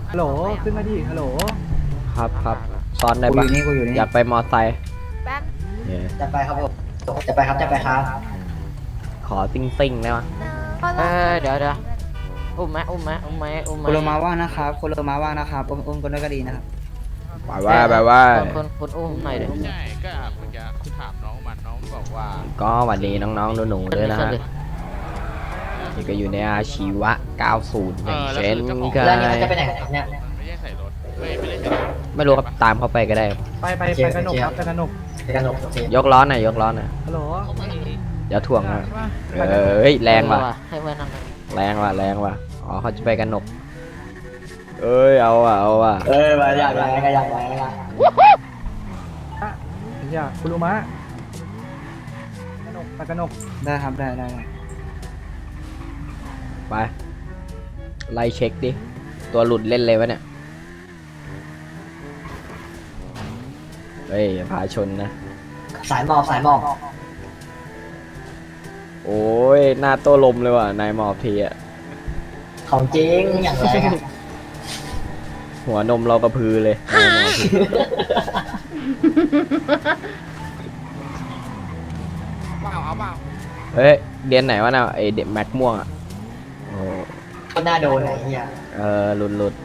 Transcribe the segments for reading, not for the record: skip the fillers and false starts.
ฮัลโหลขึ้นมาดิฮัลโหลครับซ้อนได้ปะกูอยู่นี่อยากไปมอไซค์แป๊บเนี่ยจะไปครับผมจะไปครับขอซิ่งได้ปะเดี๋ยวอุ้มไหมคุณโลมาว่างนะครับคุณโลมาว่างนะครับอุ้มกันด้วยก็ดีนะครับแบบว่าคนอุ้มหน่อยเดี๋ยวใช่ก็เมื่อกี้ถามน้องบอกว่าก็หวัดดีน้องๆหนูๆด้วยนะฮะนี่ก็อยู่ในอาชีวะ 90 อย่างเช่นกัแล้วนี่เขาจะไปนไหนกันเนี่ยไม่ได้ใส่รถไม่ได้ใส่รถไม่รู้ครับตามเขาไปก็ได้ไปกระหนกครับไปกระหนกไปกันหนกโอเคยกล้อหน่อยฮัลโหลอย่าถ่วงนะใช่ปะเฮ้ยแรงว่ะให้เพื่อนนั่งแรงว่ะอ๋อเขาจะไปกันหนกเอ้ยเอาว่ะมาอยากไปอย่าคุณรู้มะกระหนกไปกระหนกได้ครับได้ไปไล่เช็คดิตัวหลุดเล่นเลยวะเนี่ยเฮ้ยอย่าพาชนนะสายหมอบโอ้ยหน้าโต้ลมเลยว่ะนายหมอบทีอะของจริงอย่างไรหัวนมเรากระพือเลยนายหมอบทีเอาเปล่าเฮ้ยเรียนไหนวะน่ะไอเด็กแม็กม่วงอะโอ้ก็น่าโดนไหนเฮียหลุด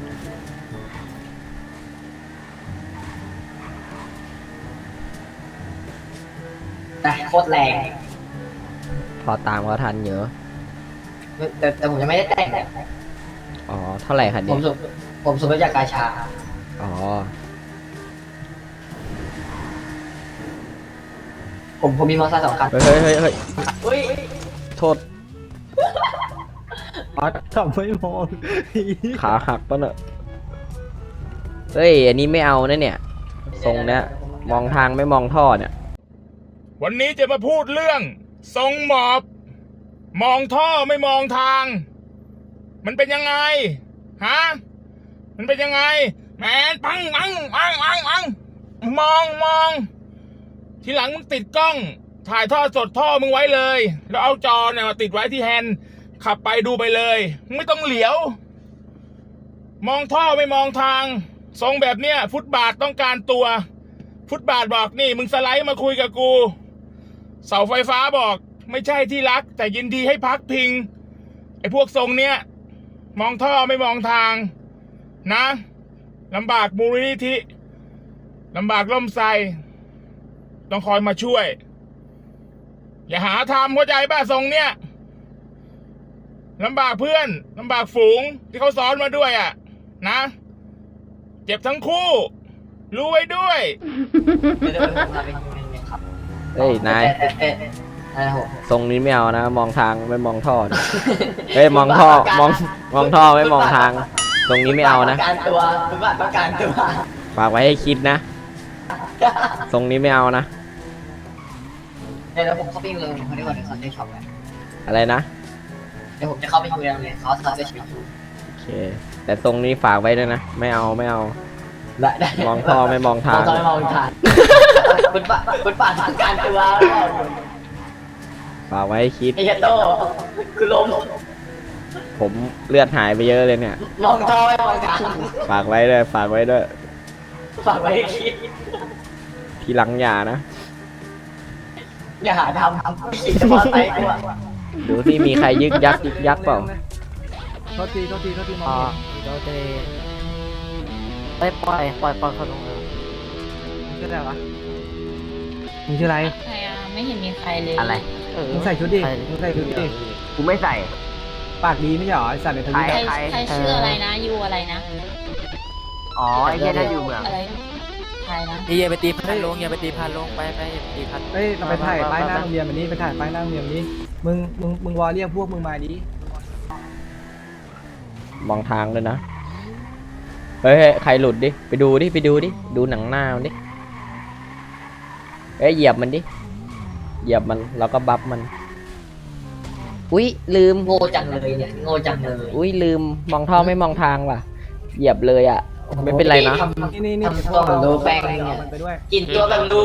นะโคตรแรงพอตามเขาทันเยอะแต่ผมยังไม่ได้แต่งอ๋อเท่าไหร่คันผนี้มสูบมาจากกาชาอ๋อผมมีมอเตอร์ไซค์2 คันเฮ้ยเฮ้ยโทษอ๋อทำไม่มองขาหักปะเนอะเฮ้ยอันนี้ไม่เอานะเนี่ยทรงเนี้ยมองทางไม่มองท่อเนี่ยวันนี้จะมาพูดเรื่องทรงหมอบ มองท่อไม่มองทาง มันเป็นยังไงฮะมันเป็นยังไงแมนปังมองทีหลังมึงติดกล้องถ่ายท่อสดท่อมึงไว้เลย แล้วเอาจอเนี่ยมาติดไว้ที่แฮนด์ขับไปดูไปเลยมึงไม่ต้องเหลียว มองท่อไม่มองทางทรงแบบเนี้ยฟุตบาทต้องการตัว ฟุตบาทบอกนี่มึงสไลด์มาคุยกับกูเสาไฟฟ้าบอกไม่ใช่ที่รักแต่ยินดีให้พักพิงไอ้พวกทรงเนี้ยมองท่อไม่มองทางนะลำบากมูลนิธิลำบากล่มไทรต้องคอยมาช่วย อย่าหาทำเข้าใจป่ะทรงเนี้ยลำบากเพื่อนลำบากฝูงที่เขาซ้อนมาด้วยอ่ะนะเจ็บทั้งคู่รู้ไว้ด้วยเฮ้ยนายทรงนี้ไม่เอานะ มองทางไม่มองท่อนะเฮ้ยมองท่อมองท่อไม่มองทาง ตรงนี้ไม่เอานะประกันตัวฟุตบาทประกันตัวฝากไว้ให้คิดนะทรงนี้ไม่เอานะเดี๋ยวผมเข้าไปเลยผมได้วันนี้เขาได้ช็อปเลยอะไรนะเดี๋ยวผมจะเข้าไปคุยเลยเขาสอนได้ชีวิตโอเค แต่ทรงนี้ฝากไว้ด้วยนะไม่เอาได้มองท่อไม่มองทางมองทางฟุตบาทประกันตัวฝากไว้ให้คิดไอ้เหี้ยโตคือลมผมเลือดหายไปเยอะเลยเนี่ยมองท่อไม่มองทางฝากไว้ด้วยฝากไว้ให้คิดทีหลังอย่านะอย่าหาทำขี่จะมอไซค์กูอะดูที่มีใครยึกยักเปล่าโทษทีมอ๋ออง เดี๋ยวจะไปปล่อยเขาลงเลยชื่ออะไรวะมึงชื่ออะไรใครอะไม่เห็นมีใครเลยอะไรมึงใส่ชุดดิมึงใส่ชุดดิกูไม่ใส่ปากดีไม่ใช่หรอไอ้สัตว์ในทวิตใครใครชื่ออะไรนะยูอะไรนะอ๋อไอ้เหี้ยนั่นอยู่เมืองอะไรใครนะอย่าไปตีพันลงอย่าไปตีพันลงไปอย่าไปตีพันเฮ้ยเราไปถ่ายป้ายหน้าโรงเรียนแบบนี้ไปถ่ายป้ายหน้าโรงเรียนแบบนี้มึงวอเรียกพวกมึงมาดิมองทางเลยนะ เฮ้ยใครหลุดดิ ไปดูดิ ดูหนังหน้ามันดิ เอ้ยเหยียบมันดิ เหยียบมันแล้วก็บัฟมัน อุ้ยลืมโง่จังเลยเนี่ยโง่จังเลยอุ้ยลืมมองท่อไม่มองทางว่ะ เหยียบเลยอ่ะ ไม่เป็นไรนะนี่ทำตัวแบบดูแป้งเนี่ยมันไปด้วยกินตัวแบบดู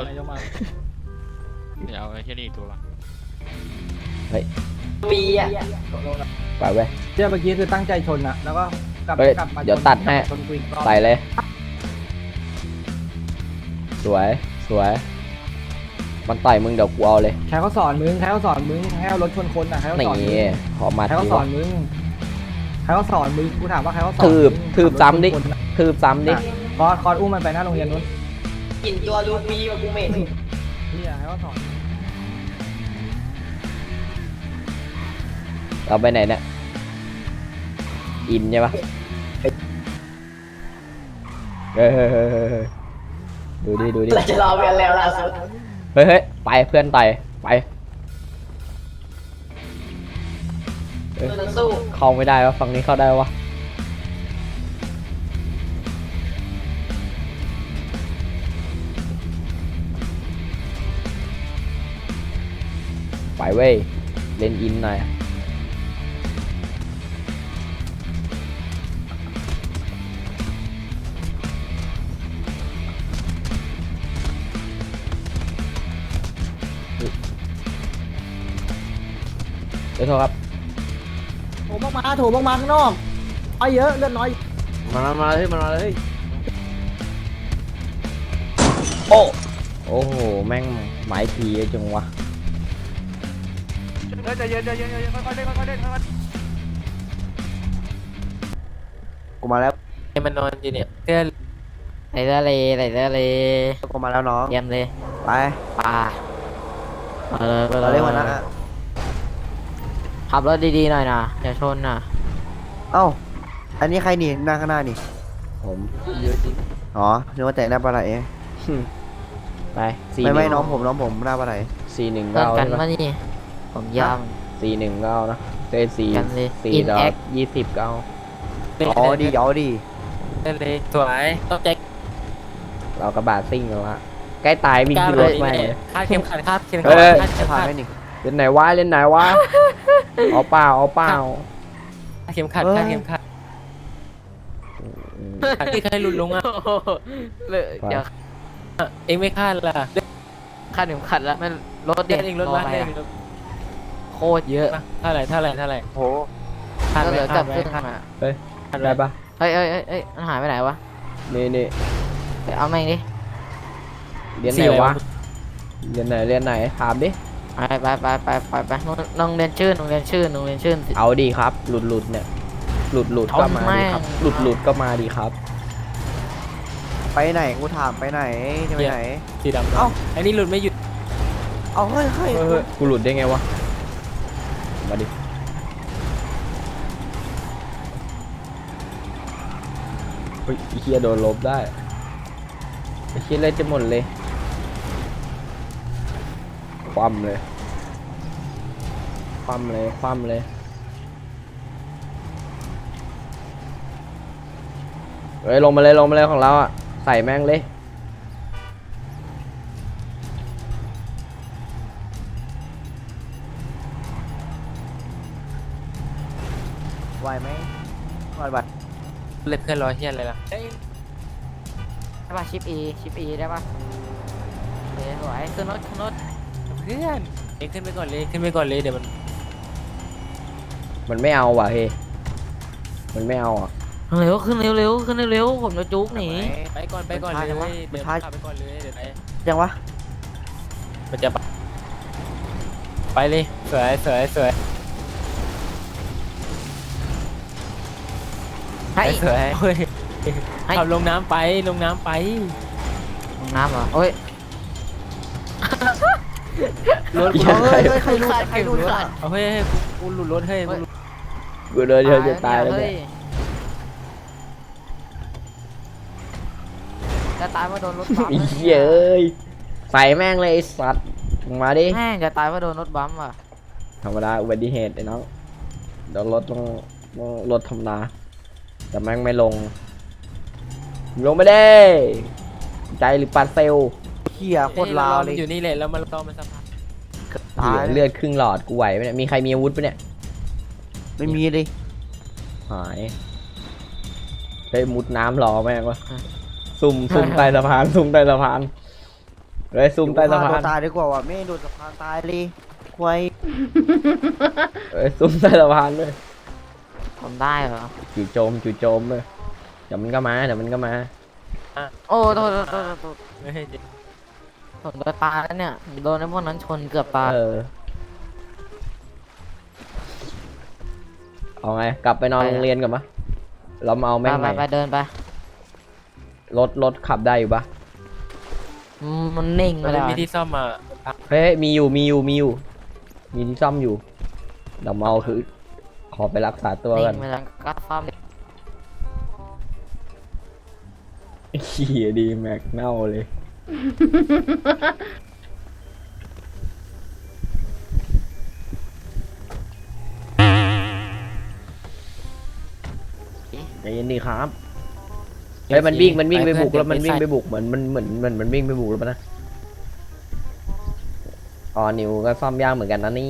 เดี๋ยวเอาแค่นี้อีกตัวปีอะไปเว้ยเจ้าเมื่อกี้คือตั้งใจชนอะแล้วก็กลับเฮ้ยกลับมาเดี๋ยวตัดให้ชนกูอีกรอบใส่เลย สวยสวย มันต่อยมึงเดี๋ยวกูเอาเลยใครเขาสอนมึงใครเขาสอนมึงให้เอารถชนคนอ่ะใครเขาสอนมึงนี่ขอมาใครเขาทีสอวะนมึงใครเขาสอนมึงกูถามว่าใครเขาสอนทืบมึงทืบซ้ำดิขับรถชนคนอะทืบซ้ำดิคอร์สอุ้มมันไปหน้าโรงเรียนนู้นกินตัวลูฟี่มากูเหม็นนี่ใครเขาสอนเราไปไหนเนี่ย อินใช่ปะเฮ้ยดูดิดูดิเราจะรอเวียนแล้วล่าสุดเฮ้ยไปเพื่อนต่อยไปเราสู้เข้าไม่ได้วะฝั่งนี้เข้าได้วะไปเว้ยเล่นอินหน่อยเดี๋ยวโทษครับโถมมาโถมมาข้างนอกเอาเยอะเลือดน้อยมาเลยมาเลยโอ้โอ้โหแม่งหมายทีเยอะจังวะใจเย็นใจเย็นค่อยๆเล่นค่อยๆเล่นค่อยกูมาแล้วมันนอนอยู่เนี่ยเพื่อนไหนทะเลไหนทะเลกูมาแล้วน้องเยี่ยมเลยไปป่าเอาเลยไปเราเรียกหัวหน้าขับรถดีๆหน่อยนะอย่าชนนะเอ้าอันนี้ใครนี่หน้าข้างหน้านี่ผมอ๋อนึกว่าแต่หน้าปลาไหลไปสี่ไม่หน้นึ่องผมหน้าปลาไหลสี่หนึ่งเพื่อนเก้ากันใช่มาปะนี่ผมยาวสี่หนึ่งเก้านะเต้สี่กันเลยสี่ In ดอก Act 20เก้าอ๋อดีอ๋อดีเลยสวยต้องแจ็คเรากระบะซิ่งแล้วละใกล้ตายวิ่งขึ้นรถไปคาดเข็มขัดคาดเข็มเฮ้ขัดยคาดเข็มผ่านขัดไหมนี่เล่นไหนวะเล่นไหนวะเอาเปล่าเอาเปล่าคาดเข็มขัดคาดเข็มขัดที่ใครหลุดลงอ่ะเดี๋ยวเองไม่คาดล่ะคาดเข็มขัดแล้วมันรถเด็กเองรถมาโคตรเยอะเท่าไหร่โหคาดเหลือกับครึ่งอ่ะเฮ้ยได้ปะเฮ้ยมันหายไปไหนวะนี่ไปเอาแม่งดิเรียนไหนวะเรียนไหนถามดิไปโรงเรียนชื่นสิเอาดีครับ หลุดเนี่ยหลุดก็มาดีครับเอาแม่งหลุดก็มาดีครับไปไหนกูถามไปไหนจะไปไหนสีดำเอ้าอันนี้หลุดไม่หยุดเอาเฮ้ยเฮ้ยกูหลุดได้ไงวะมาดิเฮ้ยไอ้เฮียโดนลบได้ไอ้เฮียเล่นจะหมดเลยคว่ำเลยเฮ้ยลงมาเลยของเราอ่ะใส่แม่งเลยไหวไหมไหวบัตรเล็บเพื่อนรอเฮียอะไรล่ะได้ป่ะชิปอีได้ป่ะเฮ้ยสวยขึ้นรถเพื่อนเองขึ้นไปก่อนเลยเดี๋ยวมันมันไม่เอาว่ะเฮ้ยมันไม่เอาอ่ะเร็วขึ้นเร็วผมจะจุกหนีไปก่อนเลยมันช้าจังวะเดี๋ยวขับไปก่อนเลยเดี๋ยวไปยังวะมันจะไปเลยสวยให้สวยขับลงน้ำไปลงน้ำเหรอโอ้ยรถเฮ้ยใครรู้ใครรู้เอาเฮ้ยกูหลุดรถเฮ้ยกูเดินจะตายแล้วเนี่ยจะตายเพราะโดนรถบัมไอ้เหี้ยเอ้ยใส่แม่งเลยไอ้สัตว์มึงมาดิแม่งจะตายเพราะโดนรถบัมว่ะธรรมดาอุบัติเหตุไอ้น้องเดี๋ยวรถต้องรถธรรมดาแต่แม่งไม่ลงไม่ได้ใจหรือปาเซลเขี่ยโคตรลาวเลยอยู่นี่แหละแล้วมันต้องมันสะพานตายเลือดครึ่งหลอดกูไหวไหมเนี่ยมีใครมีอาวุธปะเนี่ยไม่มีเลยหายเฮ้ยมุดน้ำรอแม่งวะซุ่มใต้สะพานเฮ้ยซุ่มใต้สะพานตายดีกว่าว่ะไม่โดนสะพานตายเลยควายซุ่มใต้สะพานด้วยโอ้ทำได้เหรอจู่โจมเลยเดี๋ยวมันก็มาโอ้โทษไม่ให้ดิชนตัวตายแล้วเนี่ยโดนไอ้พวกนั้นชนเกือบตายเอาไงกลับไปนอนโรงเรียนก่อนปะเรามาเอาแม่งใหม่ไปเดินไปรถขับได้อยู่ปะมันนิ่งไปแล้วมีที่ซ่อมมาเฮ้ยมีที่ซ่อมอยู่เดี๋ยวมาเอาคือขอไปรักษาตัวกันนิ่งไปแล้วก็ซ่อมขี่ดีแม็กเน่าเลยใจเย็นดีครับเฮ้ยมันวิ่งไปบุกแล้วมันวิ่งไปบุกเหมือนมันวิ่งไปบุกแล้วปะนะอ๋อนิวก็ซ่อมยากเหมือนกันนะนี่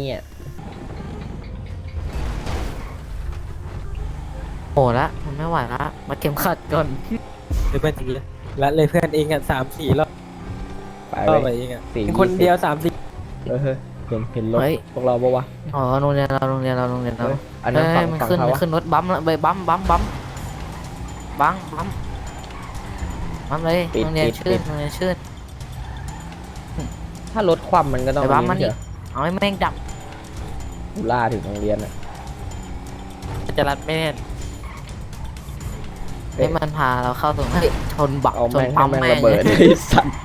โหละมันไม่ไหวละมาเข็มขัดก่อนเพื่อนจริงเลยละเลยเพื่อนเองอ่ะ3-4 รอบไปรอบเลไปยเองอ่ะสี่คนเดียว3-4 เฮ้ยเห็นรถพวกเราปะวะอ๋อโรงเรียนเราอันนั้นฝั่งมันฝั่งขึ้นเขาวะขึ้นรถบัมแล้วไปบัมเลยโรงเรียนชื่นถ้ารถคว่ำมันก็ต้องไปบัมมันเถนี่อะเอาให้แม่งจับกูล่าถึงโรงเรียนอ่ะจะรัดไม่แน่นให้มันพาเราเข้าสู่ชนบักเอาชนแม่งให้ปั๊มแม่งแม่ระงเบิดไอ้สัตว์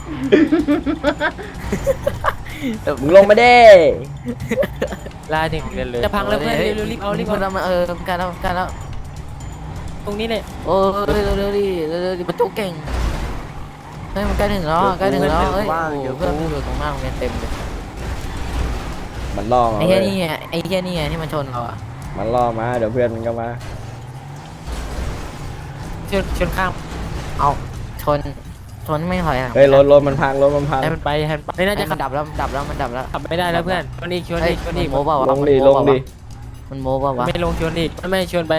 มึงลงมาเด้ลาถึงเรียนเลยจะพังแล้วเพื่อนเร็วๆรีบเอารีบมัเอานมาการแล้วตรงนี้เลยโอ้ยเร็วดิมันจุกเก่งเฮ้ยมันใกล้ถึงแล้วเฮ้ยเดี๋ยวเพื่อนอยู่ตรงหน้าโรงเรียนเต็มเลยมันล่อมาไอ้เหี้ยนี่ไงที่มันชนเราอ่ะมันล่อมาเดี๋ยวเพื่อนมันก็มาชนข้ามเอาชนไม่ถอยอ่ะเฮ้ยรถมันพังให้มันไปไม่น่าจะมันดับแล้วมันดับแล้วขับไม่ได้แล้วเพื่อนชนอีกมันโม้เปล่าวะลงดิมันโม้เปล่าวะไม่ลงชนอีกไม่ชนไป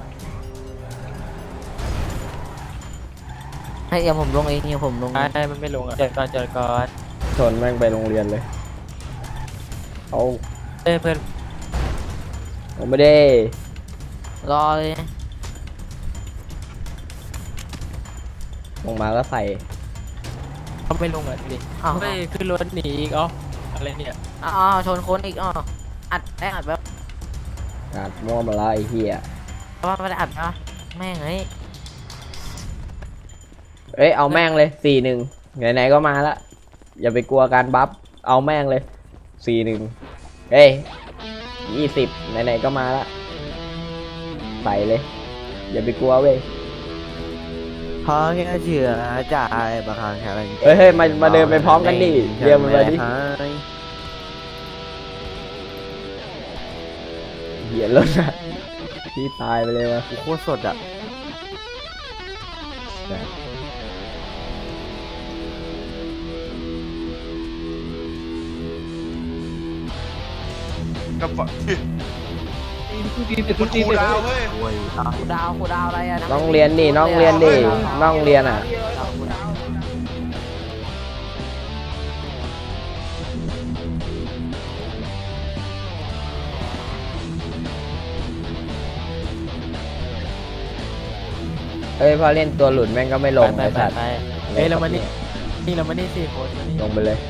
ให้เดี๋ยวผมลงเองเดี๋ยวผมลงไปมันไม่ลงอ่ะจอดก่อนชนแม่งไปโรงเรียนเลยเอาเพื่อนผมไม่ได้รอเลยลงมาก็ใส่เขาไม่ลงอ่ะดิอ้าวไม่ขึ้นรถหนีอีกอะไรเนี่ยชนคนอีกอัดแบบอัดมั่วมาละไอ้เหี้ยว่าไม่ได้อัดนะแม่งเฮ้ยเอ้ยเอาแม่งเลย4-1ไหนๆก็มาละอย่าไปกลัวการบัฟเอาแม่งเลย4-1เอ้ย20ไหนๆก็มาละใส่เลยอย่าไปกลัวเว้ยเพราะแค่เชื่อจ่ายบางครั้งแค่อะไรเฮ้ยมาเดินไปพร้อมกันดิเรียกมันมาดิเหี้ยรถอะพี่ตายไปเลยวะโคตรสดอ่ะกับฝั่งคุณครูดาวเว้ยกูดาวอะไรอ่ะน้องเรียนดิน้องเรียนอ่ะเอ้ยพอเล่นตัวหลุดแม่งก็ไม่ลงไปไอ้สัตว์เฮ้ยเรามานี่4 คนมานี่ลงไปเลย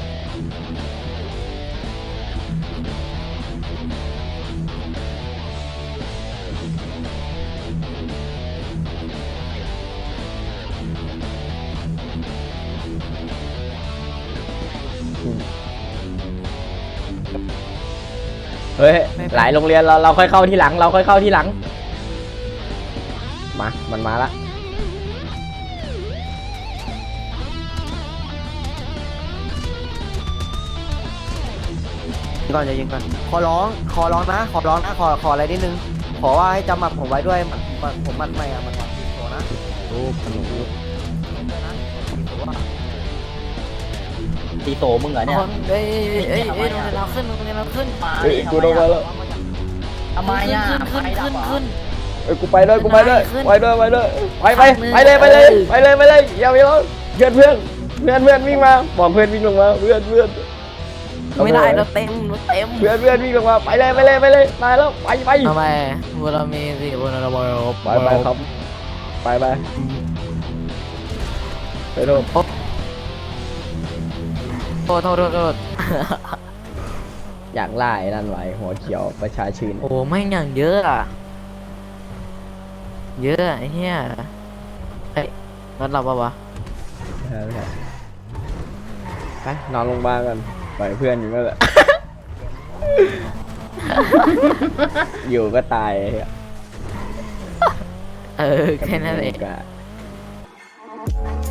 เฮ้ยหลายโรงเรียนเราค่อยเข้าที่หลังมามันมาละก่อนจะยิงก่อนขอร้องนะขออะไรนิดนึงขอว่าให้จำหมัดผมไว้ด้วยผมมัดไม่อะมันวัดโนะรูปขนมตีโตมึงเหรอเนี่ยเฮ้ยโรงเรียนเราขึ้นเฮ้ยกูลงมาแล้วทำไมอ่ะขึ้นเอ้ยกูไปด้วยไปเลยอย่าไปรอเพื่อนวิ่งมาบอกเพื่อนวิ่งลงมาเพื่อนไม่ได้รถเต็มรถเต็มเพื่อนวิ่งลงมาไปเลยตายแล้วไปทำไมบุรมีสิบุรมีไปครับไปโทษโทษอยากไล่นั่นไว้หัวเขียวประชาชื่นโอ้แม่งอย่างเยอะอะเยอะไอ้เหี้ยเฮ้ยรถเราปะวะไปนอนโรงพยาบาลกันปล่อยเพื่อนอยู่นั่นแหละ อยู่ก็ตายไอ้เหี้ยแค่นั้นเองกะ